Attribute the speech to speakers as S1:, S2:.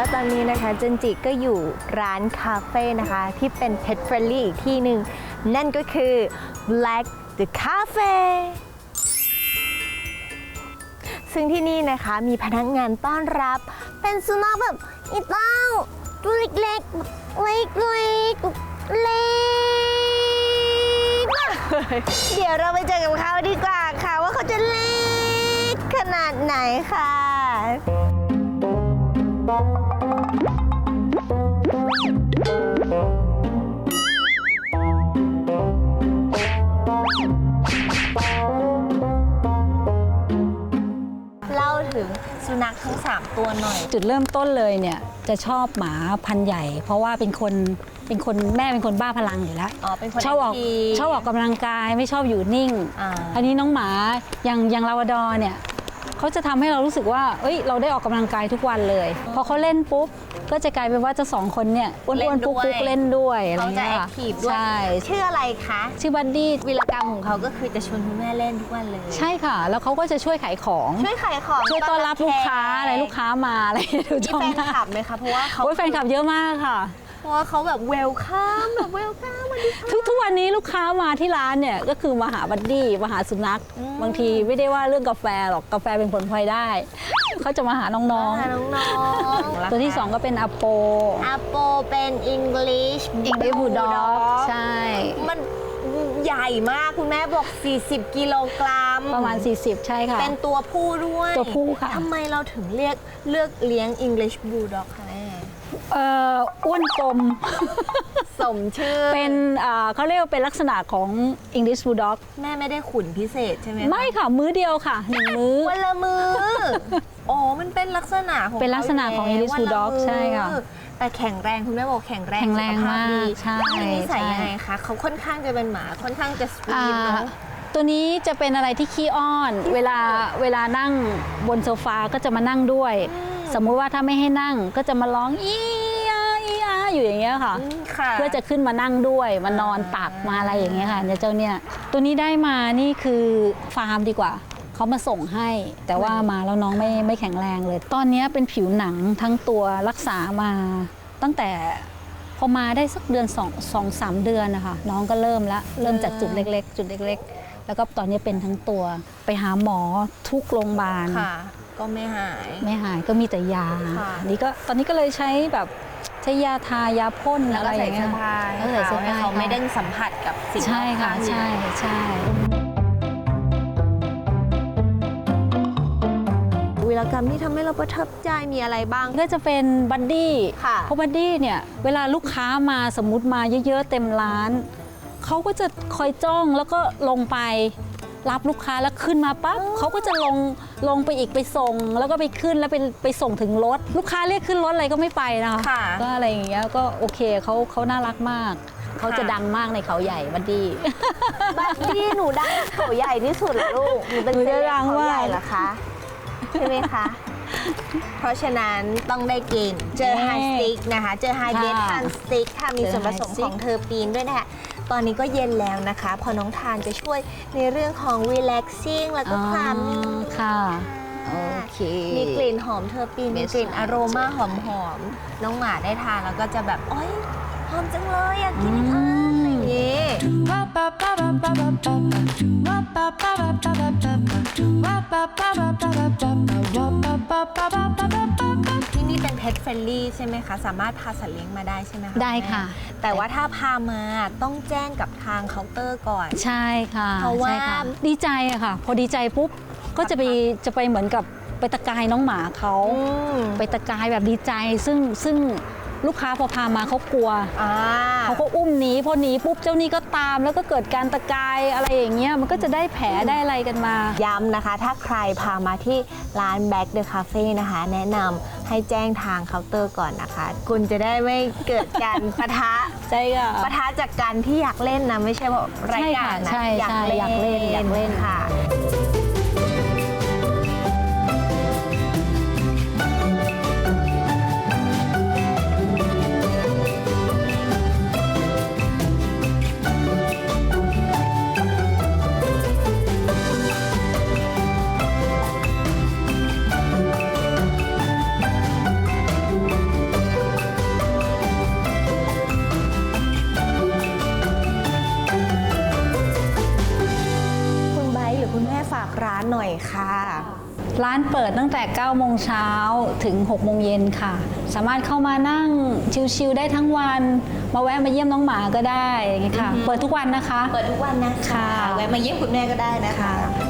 S1: ว่าตอนนี้นะคะเจนจิก็อยู่ร้านคาเฟ่นะคะที่เป็น Pet Friendly อีกที่หนึ่งนั่นก็คือ Black the Cafe ซึ่งที่นี่นะคะมีพนักงานต้อนรับเป็นสุนัขแบบอีเต้าตัวเล็กๆเล็กเดี๋ยวเราไปเจอกับเขาดีกว่าค่ะว่าเขาจะเล็กขนาดไหนค่ะเล่าถึงสุนัขทั้ง3ตัวหน่อย
S2: จุดเริ่มต้นเลยเนี่ยจะชอบหมาพันธุ์ใหญ่เพราะว่าเป็นคนแม่เป็นคนบ้าพลังอยู่แล้วชอบออกกำลังกายไม่ชอบอยู่นิ่งอันนี้น้องหมาอย่างลาวาดอร์เนี่ยเขาจะทำให้เรารู้สึกว่าเราได้ออกกำลังกายทุกวันเลยพอเขาเล่นปุ๊บก็จะกลายเป็นว่าเจ้า2คนเนี่ยอ้วนๆปุ๊กๆเล่นด้วยอะไรเงี้ยค่ะ
S1: ใช่ชื่ออะไรคะ
S2: ชื่อบัดดี้
S1: วีรกรรมของเขาก็คือจะชวนคุณแม่เล่นทุกวันเลย
S2: ใช่ค่ะแล้วเขาก็จะช่วยขายของช่วยต้อนรับลูกค้าอะไรลูกค้ามาอะไรดู
S1: ช่องแฟนคลับไหมคะเพราะว่าเขา
S2: แฟนคลับเยอะมากค่ะ
S1: เพราะว่าเขาแบบเวลคัม
S2: ทุกวันนี้ลูกค้ามาที่ร้านเนี่ยก็คือมาหาบัดดี้มาหาสุนัขบางทีไม่ได้ว่าเรื่องกาแฟหรอกกาแฟเป็นผลพลอยได้เขาจะมาหาน้องๆตัวที่2ก็เป็นอโป
S1: เป็น English
S2: Bulldog ใช่
S1: มันใหญ่มากคุณแม่บอก40 กิโลกรัม
S2: ประมาณ40ใช่ค่ะ
S1: เป็นตัวผู้ด้วย
S2: ตัวผู้ค่ะ
S1: ทำไมเราถึงเลือกเลี้ยง English Bulldog คะแม่
S2: อ้วนกลม
S1: สมชื่อ
S2: เป็นเขาเรียกว่าเป็นลักษณะของ English Bulldog
S1: แม่ไม่ได้ขุนพิเศษใช่ไหม
S2: ไม่ค่ะมื้อเดียวค่ะ1มื้อ
S1: วันละมื้ออ๋อมันเป็นลักษณะของ
S2: English Bulldog ใช่ค่ะ
S1: แต่แข็งแรงคุณแม่บอกแข็งแรง
S2: มากใช่
S1: นิสัยยังไงคะเขาค่อนข้างจะเป็นหมาค่อนข้างจะสวีทเนาะ
S2: ตัวนี้จะเป็นอะไรที่ขี้อ้อนเวลานั่งบนโซฟาก็จะมานั่งด้วยสมมุติว่าถ้าไม่ให้นั่งก็จะมาร้องอีอาอยู่อย่างเงี้ยค่ะเพื่อจะขึ้นมานั่งด้วยมานอนตักมาอะไรอย่างเงี้ยค่ะเจ้าเนี่ยตัวนี้ได้มานี่คือฟาร์มดีกว่าเขามาส่งให้แต่ว่ามาแล้วน้องไม่แข็งแรงเลยตอนนี้เป็นผิวหนังทั้งตัวรักษามาตั้งแต่พอมาได้สักเดือน2-3 เดือนนะคะน้องก็เริ่มจากจุดเล็กๆแล้วก็ตอนนี้เป็นทั้งตัวไปหาหมอทุกโรงพยาบาล
S1: ก็ไม่หาย
S2: ก็มีแต่ยานี่ก็ตอนนี้ก็เลยใช้แบบใช้ยาทายาพ่นอะไรอย่างเงี้ย
S1: ใส่เสื้อผ้าเขาไม่ได้สัมผัสกับสิ่ง
S2: ใช่ค่ะใช่
S1: วีรกรรมที่ทำให้เราประทับใจมีอะไรบ้าง
S2: ก็จะเป็นบัดดี้เพราะบัดดี้เนี่ยเวลาลูกค้ามาสมมุติมาเยอะๆเต็มร้านเขาก็จะคอยจ้องแล้วก็ลงไปรับลูกค้าแล้วขึ้นมาปั๊บเขาก็จะลงไปอีกไปส่งแล้วก็ไปขึ้นแล้วไปส่งถึงรถลูกค้าเรียกขึ้นรถอะไรก็ไม่ไปนะคะก็อะไรอย่างเงี้ยก็โอเคเขาน่ารักมากเขาจะดังมากในเขาใหญ่บัดดี้
S1: หนูดังเขาใหญ่ที่สุดเหรอลูกหนูเป็นเซเลบเขาใหญ่เหรอคะใช่ไหมคะเพราะฉะนั้นต้องได้กินเจอไฮสติ๊กนะคะเจอไฮเบสฮันสติ๊กค่ะมีส่วนผสมของเทอร์ปีนด้วยนะคะตอนนี้ก็เย็นแล้วนะคะพอน้องทานจะช่วยในเรื่องของ relaxing แล้วก็ความนิ่ง
S2: ค่ะโอเค
S1: มีกลิ่นหอมเทอร์ปีนมีกลิ่นอโรมาหอมน้องหมาได้ทานแล้วก็จะแบบโอ๊ยหอมจังเลยอยากกินอีกอะไรอย่างงี้ที่นี่เป็น Pet Friendly ใช่ไหมคะสามารถพาสัตว์เลี้ยงมาได้ใช่ไหมคะ
S2: ได้ค่ะ
S1: แต่ว่าถ้าพามาต้องแจ้งกับทางเคาน์เตอร์ก่อน
S2: ใช่ค่ะ
S1: เพราะว่า
S2: ดีใจอะค่ะพอดีใจปุ๊บก็จะไปเหมือนกับไปตะกายน้องหมาเขาไปตะกายแบบดีใจซึ่งลูกค้าพอพามาเขากลัวเขาก็อุ้มหนีพอหนีปุ๊บเจ้านี่ก็ตามแล้วก็เกิดการตะกายอะไรอย่างเงี้ยมันก็จะได้แผลได้อะไรกันมา
S1: ย้ำนะคะถ้าใครพามาที่ร้าน Black the Cafe นะคะแนะนำให้แจ้งทางเคาน์เตอร์ก่อนนะคะคุณจะได้ไม่เกิดการปะทะ
S2: ใช่ค่ะ
S1: ปะทะจากการที่อยากเล่นนะไม่ใช่เพราะรายการนะอยากเล่นค่ะค่ะ
S2: ร้านเปิดตั้งแต่ 9 โมงเช้าถึง 6 โมงเย็นค่ะ สามารถเข้ามานั่งชิลๆได้ทั้งวัน มาแวะมาเยี่ยมน้องหมาก็ได้อย่างนี้ค่ะ เปิดทุกวันนะคะ
S1: เปิดทุกวันนะคะ
S2: ค่ะ
S1: แวะมาเยี่ยมคุณแม่ก็ได้นะคะ